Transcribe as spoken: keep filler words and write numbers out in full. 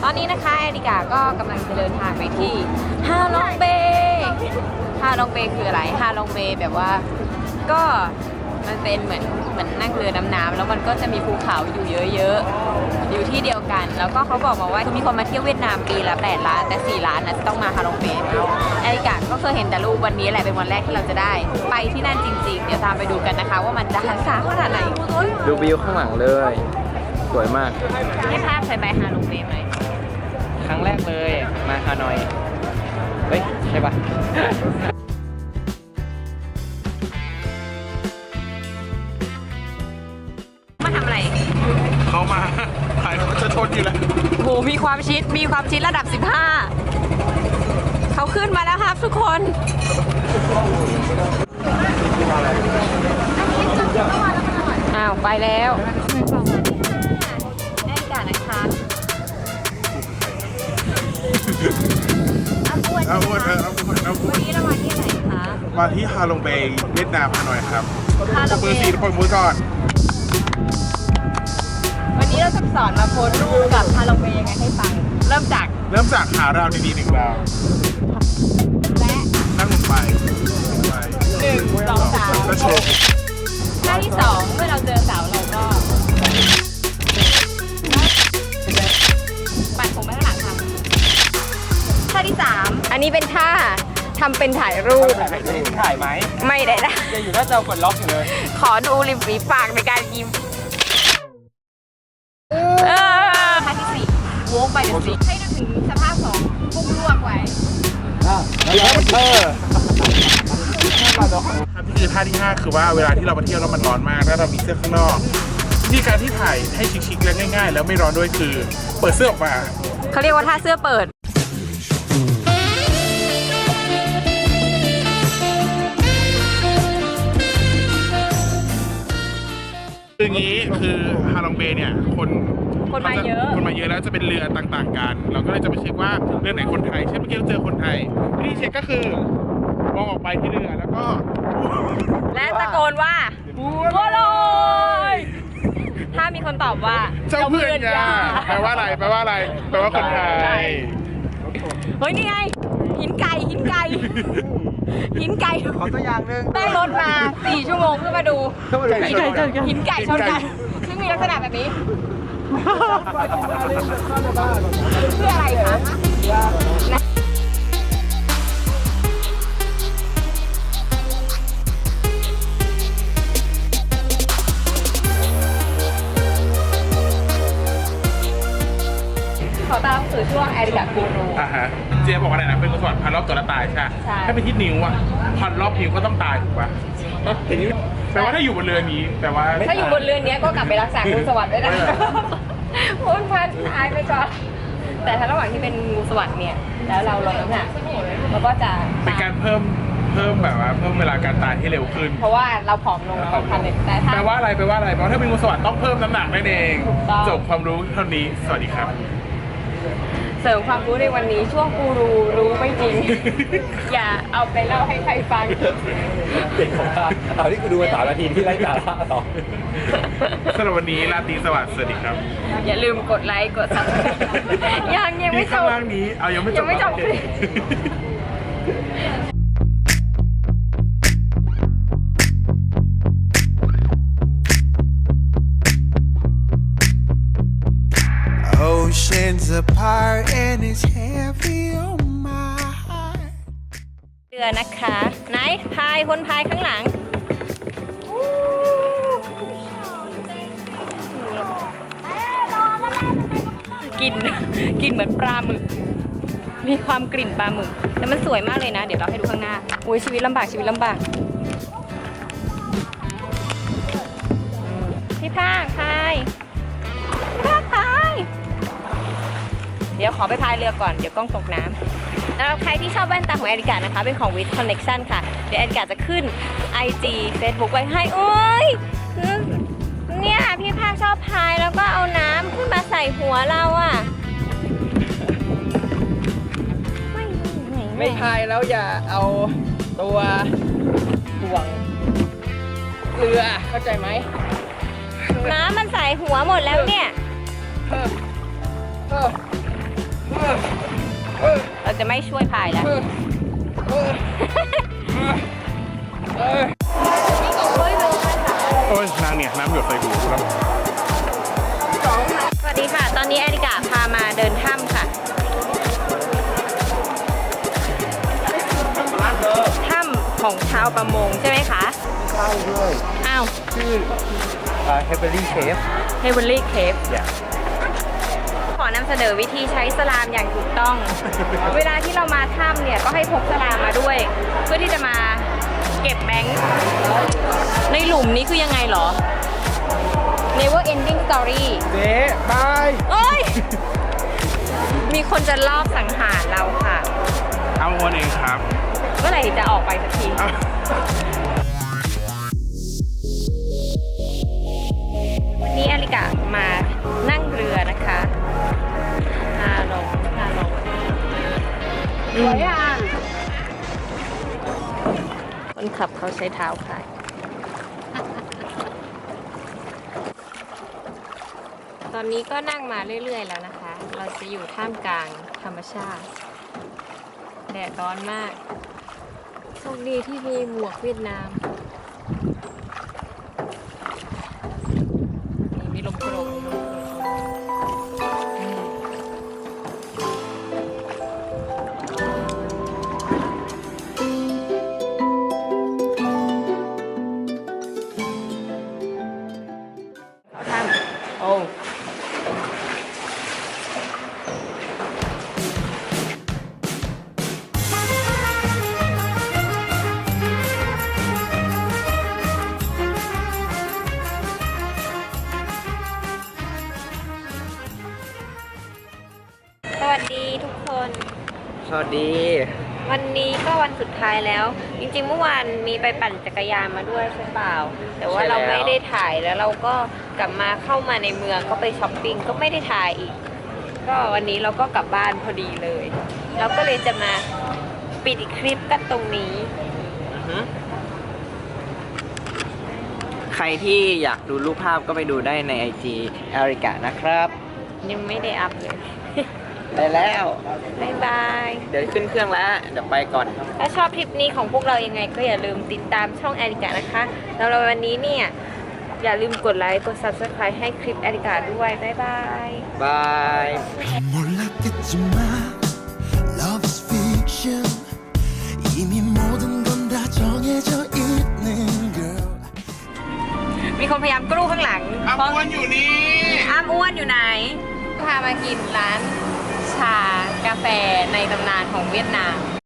อนนี้นะคะแอริกาก็กำลังจะเดินทางไปที่ฮาลองเบย์ฮาลองเบย์คืออะไรฮาลองเบย์แบบว่าก็มันเป็นเหมือนเหมือนนั่งเรือดำน้ำแล้วมันก็จะมีภูเขาอยู่เยอะๆอยู่ที่เดียวกันแล้วก็เขาบอกมาว่ามีคนมาเที่ยวเวียดนามปีละแปดล้านแต่สี่ล้านนะจะต้องมาฮาลองเบย์แอริกาก็เคยเห็นแต่รูปวันนี้แหละเป็นวันแรกที่เราจะได้ไปที่นั่นจริงๆเดี๋ยวตามไปดูกันนะคะว่ามันจะหันษาขนาดไหนดูวิวข้างหลังเลยสวยมากให้ภาพเคยไปฮาลองเบย์ไหมครั้งแรกเลยมาฮานอยเฮ้ยใช่ปะมาทำอะไรเขามาถ่ายจะชนอยู่แล้วโหมีความชิดมีความชิดระดับสิบห้าเขาขึ้นมาแล้วครับทุกคนอ้าวไปแล้วแอริกานะคะอาบวนเอาวนเออเอาวนเอาววัน นนี้เรามาที่ไหนคะมาที่ฮาลงเบย์เวียดนามฮานอยครับฮาลองมืเบอสีย์ปล่อยมือก่อนวันนี้เราจะสอนมาโพสรูปกับฮาลองเบย์ยังไงให้ฟังเริ่มจากเริ่มจากหาราวดีๆหนึ่งราวและนั่งลงไปลงไปหนึ่งสองสามแล้วโชว์ท่าที่สองเมื่อเราเจอเสาเราก็ปัดผมไปข้างหลังค่ะท่าที่สามอันนี้เป็นท่าทำเป็นถ่ายรูปถ่ายไหมไม่ได้นะยังอยู่หน้าจอกดล็อกอยู่เลยขอดูริมฝีปากในการยิ้มเออท่าที่สี่โว้งไปเป็นสี่ให้นึกถึงสภาพของพุ่งลวกไว้เออครับที่คือท่าที่ห้าคือว่าเวลาที่เรามาเที่ยวแล้วมันร้อนมากแล้วเรามีเสื้อข้างนอกวิธีการที่ถ่ายให้ชิคๆและง่ายๆ แล้วไม่ร้อนด้วยคือเปิดเสื้อออกมาเขาเรียกว่าท่าเสื้อเปิดคืออย่างนี้คือฮาลองเบย์เนี่ยคนคนมาเยอะคนมาเยอะแล้วจะเป็นเรือต่างๆกัน เราก็เลยจะไปเช็คว่าเรือไหนคนไทยเช่นเมื่อกี้เราเจอคนไทยวิธีเช็คก็คือมองออกไปที่เรือแล้วก็และตะโกนว่าบัวลอยถ้ามีคนตอบว่าเจ้าเพื่อนยาแปลว่าอะไรแปลว่าอะไรแปลว่าคนไทยเฮ้ยนี่ไงหินไก่หินไก่หินไก่ขอตัวอย่างหนึ่งได้รถมาสี่ชั่วโมงเพื่อมาดูไก่ชนกันหินไก่ชนกันซึ่งมีลักษณะแบบนี้เพื่ออะไรคะนะ ขอตามสู่ช่วงแอริกากูรูอ่าฮะเจ๊บอกอะไรนะเป็นกุศลพันรอบตัวละตายใช่ไหมใช่ถ้าไปที่นิ้วอ่ะพันรอบนิ้วก็ต้องตายถูกปะแปลว่าถ้าอยู่บนเรือนี้แปลว่าถ้าอยู่บนเรือนนี้ก็กลับไปรักษางูสวัสดิ์ด้วยนะพ้นพันตายไปก่อนแต่ถ้าระหว่างที่เป็นงูสวัสดิ์เนี่ยแล้วเราลดน้ำหนักเราก็จะเป็นการเพิ่มเพิ่มแบบว่าเพิ่มเวลาการตายให้เร็วขึ้นเพราะว่าเราผอมลงประมาณนึงแต่ถ้าแปลว่าอะไรแปลว่าอะไรเพราะถ้าเป็นงูสวัสดิ์ต้องเพิ่มน้ำหนักนั่นเองถูกต้องจบความรู้เท่านี้สวัสดีครับเสริมความรู้ในวันนี้ช่วงกูรูรู้ไม่จริง อย่าเอาไปเล่าให้ใครฟังเด็กของข้าเอาที่กูดูมาสามนาทีที่ไร้สาระต่อสำหรับวันนี้ราตรีสวัสดิ์สวัสดีครับอย่าลืมกดไลค์กดซับสไครต์ยังยังไม่นี่จข้างบล่างนี้เอายังไม่จบยังไม่จบโอเค Oceans apart and it's heavy on my heart. เรือนะคะไหนพายคนพายข้างหลังกลิ่นกลิ่นเหมือนปลาหมึกมีความกลิ่นปลาหมึกแต่มันสวยมากเลยนะเดี๋ยวเราให้ดูข้างหน้าอุ้ยชีวิตลำบากชีวิตลำบากพี่ภาคพายพี่ภาคพายเดี๋ยวขอไปพายเรือก่อนเดี๋ยวกล้องตกน้ำแล้วใครที่ชอบแว่นตาของแอริกานะคะเป็นของ With Connection ค่ะเดี๋ยวแอริกาจะขึ้น ไอ จี Facebook ไว้ให้โอ้ยเนี่ยพี่ภาคชอบพายแล้วก็เอาน้ำขึ้นมาใส่หัวเราอ่ะไม่ไม่ไม่พายแล้วอย่าเอาตัวห่วงเรือเข้าใจไหมน้ำมันใส่หัวหมดแล้วเนี่ยเออเออเราจะไม่ช่วยพายแล้วโอ้ยนางเนี่ยน้ำหยดใส่หูแล้วสวัสดีค่ะ ตอนนี้แอริกาพามาเดินถ้ำค่ะ ถ้ำของชาวประมงใช่ไหมคะใช่ด้วยอ้าวชื่อเฮเบอรี่เชฟเฮเวอรี่เคฟขอนำเสนอวิธีใช้สลามอย่างถูกต้อง เวลาที่เรามาถ้ำเนี่ยก็ให้พกสลามมาด้วย เพื่อที่จะมาเก็บแบงค์ในหลุมนี้คือยังไงเหรอ Never ending story เจ๊บายเอ้ย มีคนจะลอบสังหารเราค่ะเอาวันเองครับเมื่อไหร่จะออกไปสักทีเอาวันนี้อลิกะมานั่งเรือนะคะฮาลงฮาลงสวยอ่ะคนขับเขาใช้เท้าขาย ตอนนี้ก็นั่งมาเรื่อยๆแล้วนะคะ เราจะอยู่ท่ามกลางธรรมชาติ แดดร้อนมาก โชคดีที่มีหมวกเวียดนาม นี่มีลมโกรกมีลมโกรกอืมเขาทำโอ้ สวัสดีทุกคนสวัสดีวันนี้ก็วันสุดท้ายแล้ว จริงๆเมื่อวานมีไปปั่นจักรยานมาด้วยใช่เปล่า แต่ว่าใช่แล้วเราไม่ได้ถ่ายแล้วเราก็กลับมาเข้ามาในเมืองก็ไปช้อปปิ้งก็ไม่ได้ถ่ายอีก ก็วันนี้เราก็กลับบ้านพอดีเลย เราก็เลยจะมาปิดคลิปกันตรงนี้ใครที่อยากดูรูปภาพก็ไปดูได้ใน ไอ จี แอริกานะครับยังไม่ได้อัพเลยได้แล้วบ๊ายบายเดี๋ยวขึ้นเครื่องแล้ว เดี๋ยวไปก่อนถ้าชอบคลิปนี้ของพวกเรายังไงก็อย่าลืมติดตามช่องแอริกานะคะแล้วเราวันนี้เนี่ยอย่าลืมกดไลค์กด ซับสไครบ์ ให้คลิปแอริกาด้วย บ๊ายบายบาย 몰랐겠지만 Love is fiction 이미 모든 건 다 정해져 있는 girl มีคนพยายามกรูข้างหลังอาบวนอยู่นี่อ้ามอ้วนอยู่ไหน พามากินร้านชากาแฟในตำนานของเวียดนาม